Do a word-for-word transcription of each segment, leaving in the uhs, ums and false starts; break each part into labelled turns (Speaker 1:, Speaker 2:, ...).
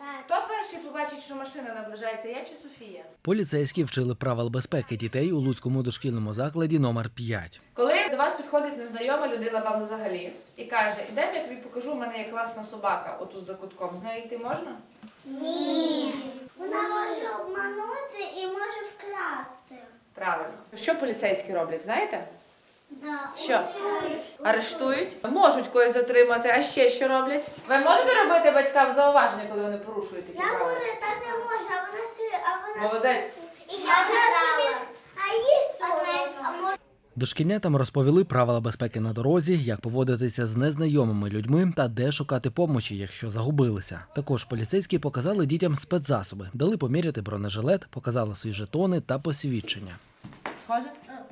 Speaker 1: Хто перший побачить, що машина наближається, я чи Софія?
Speaker 2: Поліцейські вчили правил безпеки дітей у Луцькому дошкільному закладі номер п'ять.
Speaker 1: Коли до вас підходить незнайома людина вам взагалі і каже, ідемо, я тобі покажу, у мене є класна собака отут за кутком. З нею йти можна?
Speaker 3: Ні. Вона може обманути і може вкрасти.
Speaker 1: Правильно. Що поліцейські роблять, знаєте?
Speaker 3: Да.
Speaker 1: Що? Арештують? Можуть когось затримати, а ще що роблять? Ви можете робити батькам зауваження, коли вони порушують такі
Speaker 3: Я
Speaker 1: правила?
Speaker 3: говорю, так не може, а вона собі, а вона
Speaker 1: Молодець.
Speaker 3: І я казала. А їй соромно.
Speaker 2: Дошкільнятам розповіли правила безпеки на дорозі, як поводитися з незнайомими людьми та де шукати помочі, якщо загубилися. Також поліцейські показали дітям спецзасоби, дали поміряти бронежилет, показали свої жетони та посвідчення.
Speaker 1: Схоже?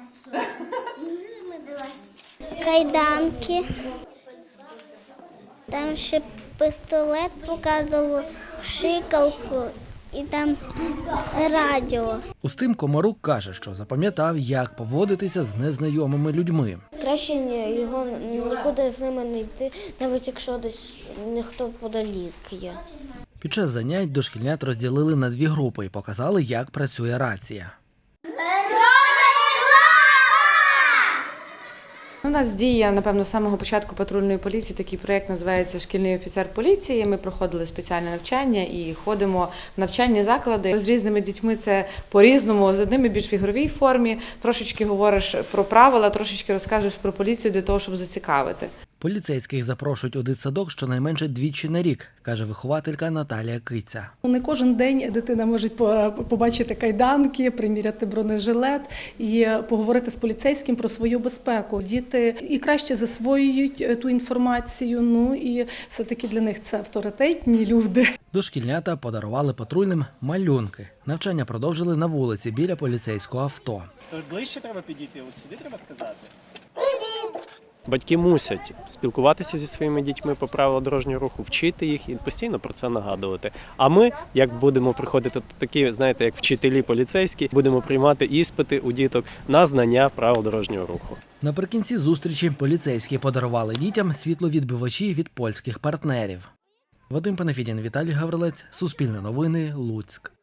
Speaker 3: Кайданки. Там ще пістолет показував, шикалку і там радіо.
Speaker 2: Устим Комарук каже, що запам'ятав, як поводитися з незнайомими людьми.
Speaker 4: Краще його нікуди з ними не йти, навіть якщо десь ніхто подалік є.
Speaker 2: Під час занять дошкільнят розділили на дві групи і показали, як працює рація.
Speaker 5: У нас діє, напевно, з самого початку патрульної поліції такий проєкт називається «Шкільний офіцер поліції». Ми проходили спеціальне навчання і ходимо в навчальні заклади. З різними дітьми це по-різному, з одними більш в ігровій формі, трошечки говориш про правила, трошечки розказуєш про поліцію для того, щоб зацікавити.
Speaker 2: Поліцейських запрошують у дитсадок щонайменше двічі на рік, каже вихователька Наталія Киця.
Speaker 6: Не кожен день дитина може побачити кайданки, приміряти бронежилет і поговорити з поліцейським про свою безпеку. Діти і краще засвоюють ту інформацію, ну і все-таки для них це авторитетні люди.
Speaker 2: Дошкільнята подарували патрульним малюнки. Навчання продовжили на вулиці біля поліцейського авто.
Speaker 7: Ближче треба підійти, от сюди треба сказати.
Speaker 8: Батьки мусять спілкуватися зі своїми дітьми по правилам дорожнього руху, вчити їх і постійно про це нагадувати. А ми, як будемо приходити такі, знаєте, як вчителі поліцейські, будемо приймати іспити у діток на знання правил дорожнього руху.
Speaker 2: Наприкінці зустрічі поліцейські подарували дітям світловідбивачі від польських партнерів. Вадим Панафідін, Віталій Гаврилець, Суспільне новини, Луцьк.